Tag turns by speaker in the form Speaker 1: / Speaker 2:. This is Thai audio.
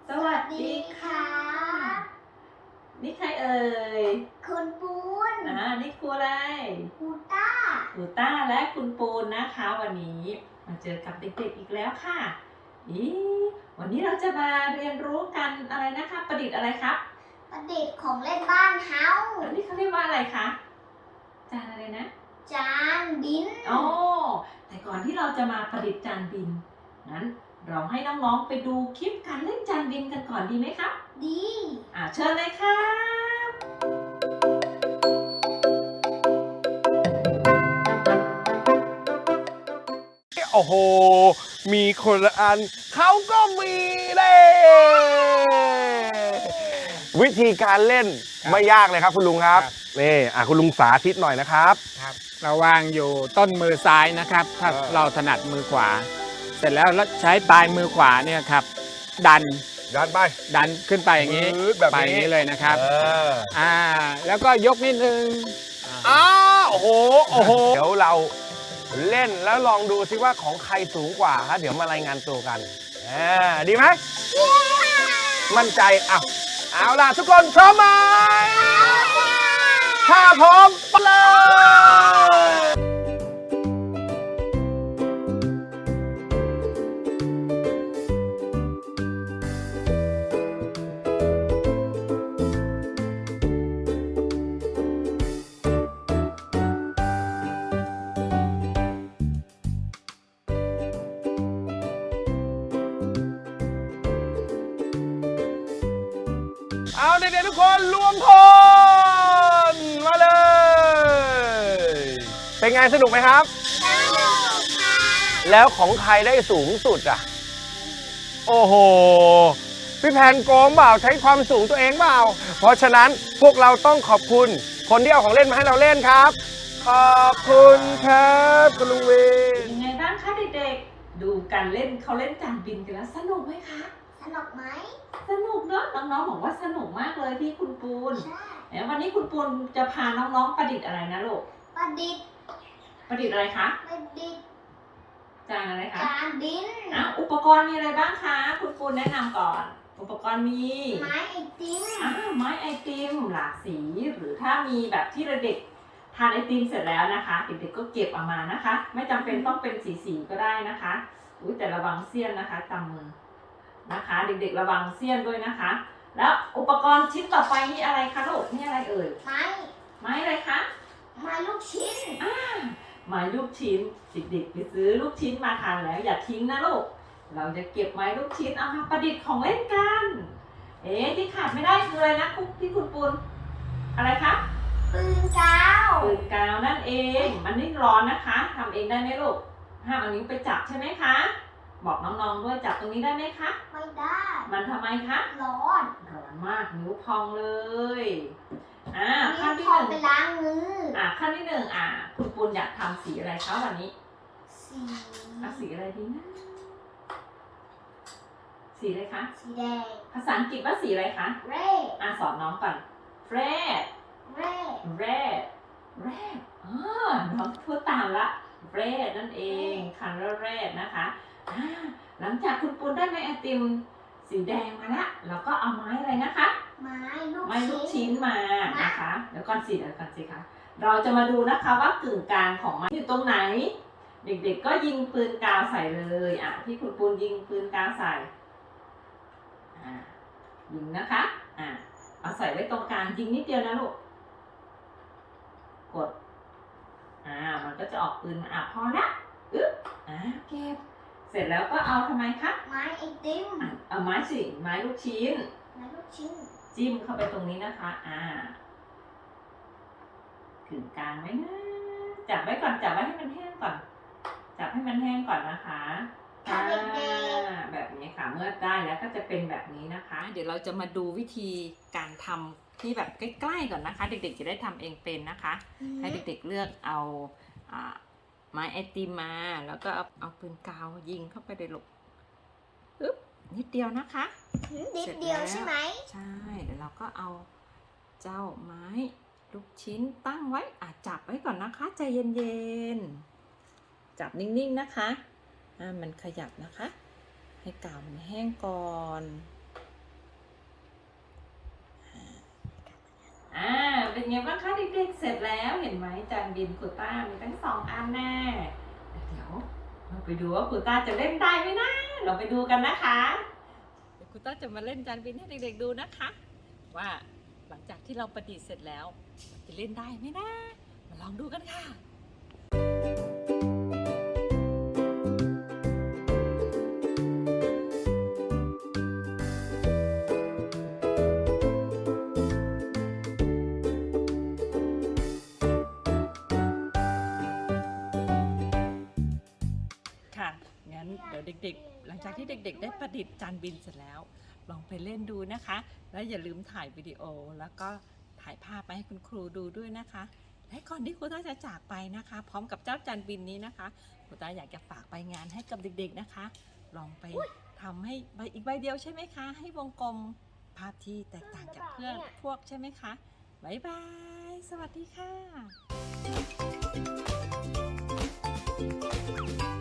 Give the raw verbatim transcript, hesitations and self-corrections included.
Speaker 1: สวัสดีค่ะนี่ใครเอ่ย
Speaker 2: คุณปูน
Speaker 1: อ่านี่ครูอะไร
Speaker 2: ครูต้า
Speaker 1: ครูต้าและคุณปูนนะคะวันนี้มาเจอกับเด็กๆอีกแล้วค่ะอีวันนี้เราจะมาเรียนรู้กันอะไรนะคะประดิษฐ์อะไรครับ
Speaker 2: ประดิษฐ์ของเล่นบ้านเฮา
Speaker 1: อันนี้เขาเรียกว่าอะไรคะจานอะไรนะ
Speaker 2: จานบิน
Speaker 1: อ๋อแต่ก่อนที่เราจะมาประดิษฐ์จานบินงั้นเราให้น้องๆไปดูคลิปการเล่นจานบินกันก่อนดีไหมครับ
Speaker 2: ดี
Speaker 1: อ่าเชิญเลยครับ
Speaker 3: โอ้โหมีคนละอันเขาก็มีเลยวิธีการเล่นไม่ยากเลยครับคุณลุงครับนี่อ่ะคุณลุงสาธิตหน่อยนะครับ
Speaker 4: ครับเราวางอยู่ต้นมือซ้ายนะครับถ้าเราถนัดมือขวาเสร็จแล้วใช้ปลายมือขวาเนี่ยครับดัน
Speaker 3: ดันไป
Speaker 4: ดันขึ้นไปอย่างนี้ไปอย่างนี้เลยนะครับอ่าแล้วก็ยกนิดนึง
Speaker 3: อ้าวโอ้โหโอ้โหเดี๋ยวเราเล่นแล้วลองดูซิว่าของใครสูงกว่าฮะเดี๋ยวมารายงานตัวกันอ่าดีไหมมั่นใจอ่ะเอาล่ะทุกคนพร้อมไหมถ้าพร้อมไปเลยเอาเด็กๆทุกคนรวมพลมาเลยเป็นไงสนุกไหมครับ
Speaker 2: สนุกค่ะ
Speaker 3: แล้วของใครได้สูงสุดอ่ะโอ้โหพี่แพนโกงเปล่าใช้ความสูงตัวเองเปล่าเพราะฉะนั้นพวกเราต้องขอบคุณคนที่เอาของเล่นมาให้เราเล่นครับขอบคุณครับคุณลุงเว
Speaker 1: นยังไงบ้างคะเด็กๆดูการเล่นเขาเล่นจานบินกันแล้วสนุกไหมคะ
Speaker 2: สนุกไหม
Speaker 1: สนุกเนาะน้องๆบอกว่าสนุกมากเลยพี่คุณปูน
Speaker 2: ใช่
Speaker 1: แล้ววันนี้คุณปูนจะพาน้องๆประดิษฐ์อะไรนะลูก
Speaker 2: ประดิษฐ์
Speaker 1: ประดิษฐ์อะไรคะ
Speaker 2: ประดิษฐ์
Speaker 1: จานอะไรคะ
Speaker 2: จานบิน
Speaker 1: อ่ะอุปกรณ์มีอะไรบ้างคะคุณปูนแนะนำก่อนอุปกรณ์มี
Speaker 2: ไม้ไอติม
Speaker 1: อ่าไม้ไอติมหลากสีหรือถ้ามีแบบที่เด็กทานไอติมเสร็จแล้วนะคะเด็กๆก็เก็บออกมานะคะไม่จำเป็นต้องเป็นสีๆก็ได้นะคะอุ้ยแต่ระวังเสี้ยนนะคะจำมือนะคะเด็กๆระวังเสี้ยนด้วยนะคะแล้วอุปกรณ์ชิ้นต่อไปนี่อะไรคะลูกนี่อะไรเอ่ย
Speaker 2: ไม้
Speaker 1: ไม้อะไรคะ
Speaker 2: ไม้ลูกชิ้น
Speaker 1: อ่าไม้ลูกชิ้นเด็กๆไปซื้อลูกชิ้นมาทานแล้วอย่าทิ้งนะลูกเราจะเก็บไม้ลูกชิ้นเอามาประดิษฐ์ของเล่นกันเอ๊ะที่ขาดไม่ได้คืออะไรนะคุกพี่คุณปูนอะไรคะ
Speaker 2: ปืนกาว
Speaker 1: ปืนกาวนั่นเองมันนี่ร้อนนะคะทำเองได้ไหมลูกห้ามเอานิ้วไปจับใช่ไหมคะบอกน้องๆด้วยจับตรงนี้ได้ไหมคะ
Speaker 2: ไม่ได้
Speaker 1: มันทำไมคะ
Speaker 2: ร้อน
Speaker 1: ร้อนมากนิ้วพองเลยอ่าขั้นที่
Speaker 2: ห
Speaker 1: นึ่ง
Speaker 2: ไปล้างมือ
Speaker 1: อ่าขั้นที่หนึ่งอ่าคุณปูนอยากทำสีอะไรคะวันนี้
Speaker 2: สี
Speaker 1: อ่ะสีอะไรดีนะสีอะไรคะ
Speaker 2: สีแดง
Speaker 1: ภาษาอังกฤษว่าสีอะไรคะ
Speaker 2: red
Speaker 1: อ่าสอนน้องก่อน red
Speaker 2: red
Speaker 1: red red อ๋อน้องพูดตามละ red นั่นเอง color red นะคะอ่าหลังจากคุณปูนได้ไม้ไอติมสีแดงมาละเราก็เอาไม้อะไรนะคะ
Speaker 2: ไม้ลูก
Speaker 1: ไม้ลูกชิ้นมานะคะเดี๋ยวก่อนสิเดี๋ยวก่อนสิคะเราจะมาดูนะคะว่ากึ่งกลางของไม้อยู่ตรงไหนเด็กๆก็ยิงปืนกาวใส่เลยอ่ะที่คุณปูนยิงปืนกาวใส่อ่ายิงนะคะอ่าเอาใส่ไว้ตรงกลางยิงนิดเดียวนะลูกกดอ่ามันก็จะออกปืนมาอ่ะพอละอึ๊บอ่าเก็บเสร็จแล้วก็เอาทำไมคะ
Speaker 2: ไม้ไอติม
Speaker 1: เอาไม้สิไม้ลูกชิ้น
Speaker 2: ไม้ลูกชิ้น
Speaker 1: จิ้มเข้าไปตรงนี้นะคะอ่าถึงกลางไว้นะจับไว้ก่อนจับไว้ให้มันแห้งก่อนจับให้มันแห้งก่อนนะคะอ่าแบบนี้ค่ะเมื่อได้แล้วก็จะเป็นแบบนี้นะคะเดี๋ยวเราจะมาดูวิธีการทำที่แบบใกล้ๆก่อนนะคะเด็กๆจะได้ทำเองเป็นนะคะให้เด็กๆเลือกเอาอ่าไม้ไอติมมาแล้วก็เอาเอาปืนกาวยิงเข้าไปในลูกปึ๊บนิดเดียวนะคะ
Speaker 2: นิดเดียวใช่ไหม
Speaker 1: ใช่เดี๋ยวเราก็เอาเจ้าไม้ลูกชิ้นตั้งไว้อ่ะจับไว้ก่อนนะคะใจเย็นๆจับนิ่งๆนะคะอ่ามันขยับนะคะให้กาวมันแห้งก่อนอ่าเป็นไงบ้างคะเด็กๆเสร็จแล้วเห็นไหมจานบินครูต้ามีทั้งสองอันแน่เดี๋ยวเราไปดูว่าครูต้าจะเล่นได้ไหมนะเราไปดูกันนะคะเดี๋ยวครูต้าจะมาเล่นจานบินให้เด็กๆดูนะคะ ว่าหลังจากที่เราประดิษฐ์เสร็จแล้วจะเล่นได้ไหมนะมาลองดูกันค่ะค่ะงั้นเดี๋ยวเด็กๆหลังจากที่เด็กๆ ได้ประดิษฐ์จานบินเสร็จแล้วลองไปเล่นดูนะคะ แล้วอย่าลืมถ่ายวิดีโอแล้วก็ถ่ายภาพไปให้คุณครูดูด้วยนะคะและก่อนที่ครูต้าจะจากไปนะคะ พร้อมกับเจ้าจานบินนี้นะคะครูต้าอยากจะฝากใบงานให้กับเด็กๆนะคะ ลองไปทำให้ใบอีกใบเดียวใช่ไหมคะให้วงกลมภาพที่แตกต่างจากเพื่อนพวกใช่ไหมคะบ๊ายบายสวัสดีค่ะ